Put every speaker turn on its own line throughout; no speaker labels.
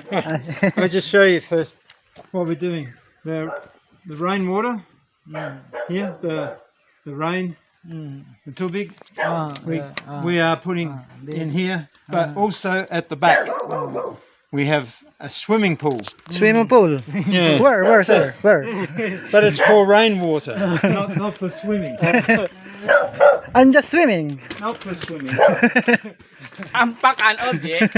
I'll just show you first what we're doing. The rainwater here, the rain, the tubig, we are putting in here, but also at the back we have a swimming pool.
Swimming pool?
Yeah.
Where, sir? Where?
But it's for rainwater, not for swimming.
I'm just swimming.
Not for swimming.
Ampak an object.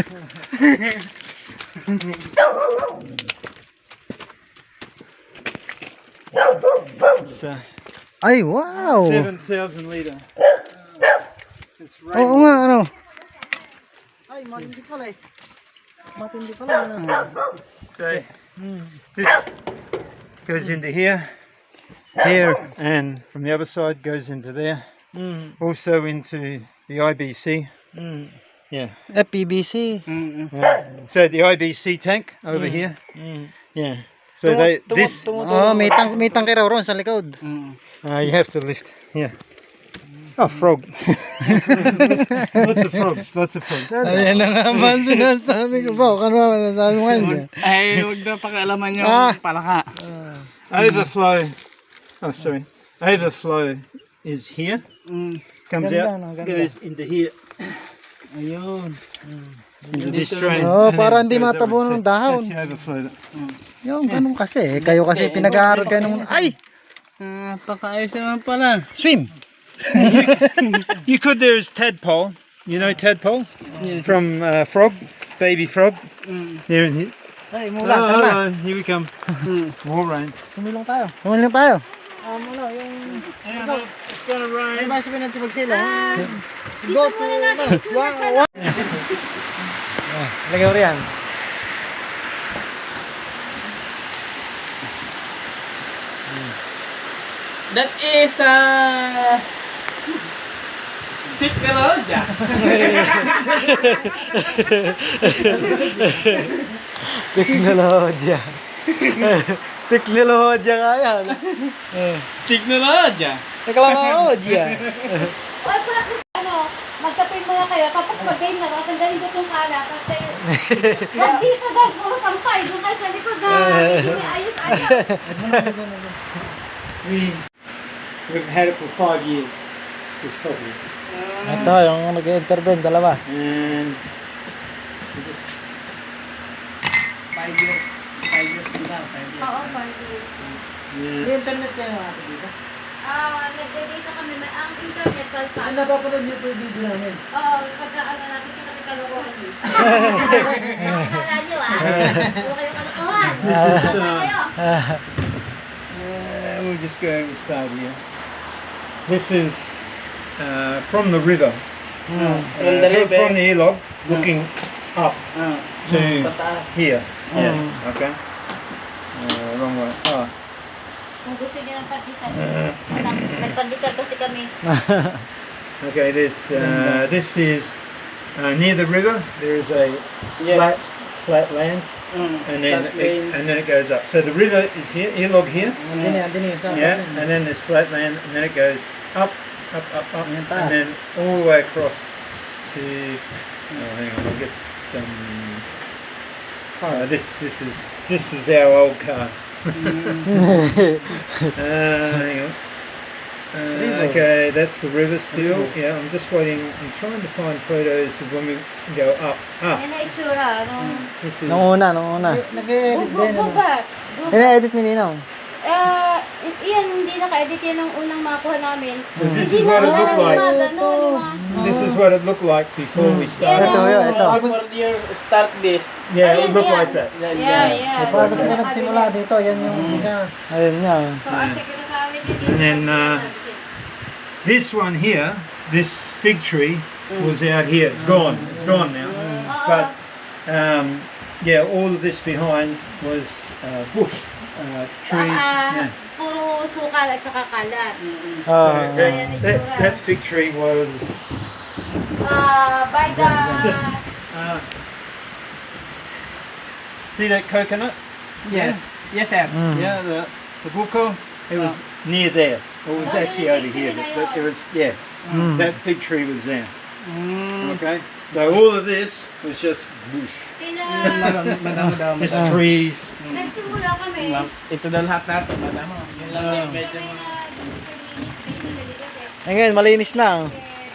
It's
Ay, wow!
7,000 litre. It's
Oo nga, ano? Ay, matindi pala eh. Matindi pala.
So, this goes into here, and from the other side goes into there. Also into the IBC. Yeah.
FPBC.
Yeah. So the IBC tank over here. Yeah. So this
Oh, may tangke raw ron sa likod.
you have to lift. Yeah. Oh, frog. Lots of frogs.
Ayan na naman sinasabi ko ba? Kano naman sinasabi mo ngayon?
Ay, huwag na pakialaman yung palaka.
Overflow. Oh, sorry. Overflow is here. Comes
Ganda,
out,
no, ganda.
goes into here.
Ayun.
Into this drain.
Oh,
and then
para hindi
goes that
matabo
way.
ng dahon.
That's the overflow.
Yung ganun kasi. Kayo kasi pinag-aaral kayo nung... Ay!
Pakaayos naman pala.
Swim!
You could, there is tadpole. You know tadpole?
Yes.
From frog, baby frog. There in here.
Ay, mulan, tara na.
Here we come. More rain.
Sumilong tayo. Sumilong tayo. Ano, yung...
It's gonna
Ay,
rain.
ba sabihin natin magsila?
Dito muna natin.
Lagay mo riyan.
That is technology.
Teknolodya. Teknolodya nga yan.
Technology.
Teknolodya.
Oy, practice magkape muna kayo, tapos mag-game na, tanggalin ko itong kalat. Huwag dito daw, puro sampay, doon kayo sa likod na, ayos-ayos.
We've had it for 5 years. This property.
Ito, yung nag-intervene, dalawa.
And we just
5 years. 5 years na. 5 years.
Oo, pwede.
yeah.
internet kayo natin dito.
Nagdadata kami, ang internet,
Ang napapanood niyo po yung video namin.
Oo, pagka natin kita kalokohan dito. Akala nyo puro kayo kalokohan.
This is
Kayo.
we'll just go and start here. This is from the river.
From the river.
From the Elog, looking up to
Pataas.
here. Yeah. Okay. Wrong way. Oh.
Kung gusto nyo ng pandesal. Nagpandesal kasi kami.
Okay. This is near the river. There is a
Yes.
flat land, and then it goes up. So the river is here, Elog here.
Andin yung sa
Yeah, and then there's flat land, and then it goes up, and then all the way across to. Oh, hang on, I'll get some. Oh, this is our old car. Hang on. Okay, that's the river still. Yeah, I'm just waiting. I'm trying to find photos of when we go up.
Yan na itsura.
This is.
Nung una.
Go back.
Ina-edit ni Ninong.
Iyan, hindi naka-edit yan ang unang makuha namin.
This
Hindi
is what it
na
looked like. This is what it looked like before we started.
Ito.
Before you start this.
Yeah, it looked
Ayan.
like that.
Yeah.
Para kasi na nagsimula dito, yan yung isa. Ayun nga.
So, ang secretary niya
And then this one here, this fig tree was out here. It's gone. It's gone now. But yeah, all of this behind was bush trees. Yeah.
Puro sukal at saka kalat.
So that fig tree was
By the...
just. See that coconut?
Yes. Yes, sir.
Yeah, the buko. It was near there. It was actually over here. But it was that fig tree was there. Okay, so all of this was just bush.
Madamo-damo.
Just trees.
Nagsimula kami.
Ito daw lahat natin, madamo. Yun lang yung medyo
Kami
mga...
na
Eh, ngayon, malinis na.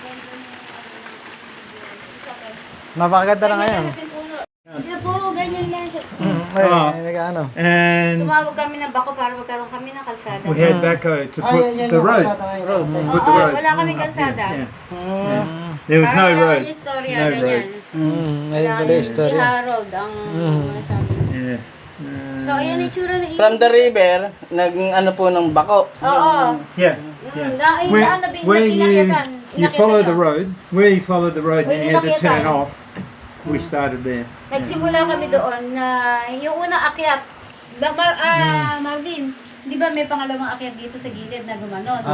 Napakaganda na ngayon.
Puro ganyan lang.
Ay,
Ah.
nag-ano.
And
Tumawag kami ng bako para magkaroon kami ng kalsada.
we had backhoe to put the road. Put the
Oo,
road.
wala kaming kalsada.
Yeah.
Hmm.
There was no
Parang wala
road.
kaming istorya,
No
ganyan.
road.
Ngayon
Wala
pala yung
Si
story.
Harold ang masabi.
Yeah.
So, ayan yung itsura ng
From the river, naging ano po ng bako.
Oo.
Yeah. Where you follow the road, where you follow the road,
Where
and you had to
inakyatan.
turn off. We started there.
Nagsimula kami doon na yung unang akyat. Marvin, di ba may pangalawang akyat dito sa gilid na gumanon?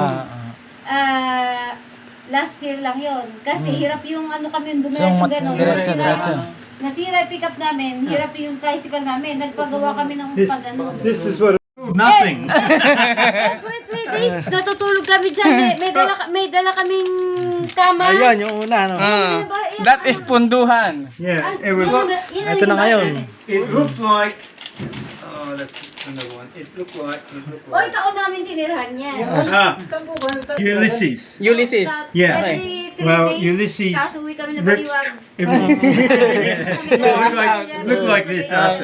Last year lang yon. Kasi hirap yung ano kami
So,
dumiretso gano'n.
diretso, diretso.
Nasira yung pick-up namin, hirap yung tricycle namin. Nagpagawa kami ng pag-ano.
This is what. Nothing.
Every 3 days, natutulog kami dyan. May dala kaming kama.
Ayun, yung una, no?
That is punduhan.
Yeah. It was.
Ito na ngayon.
It looked like. Oh, that's another one. It looked like.
Oy, taon namin tinirahan yan.
Ulysses.
Ulysses.
Yeah.
Every 3
Well,
days,
Ulysses
tapos uwi kami na
ripped
baliwag.
looked like this after.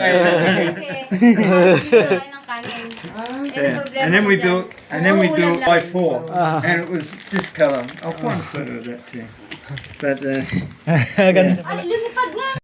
Yeah. And then we built I4, and it was this color. I'll find a photo of that too. But
Ganda.
Ay, lumipad nga.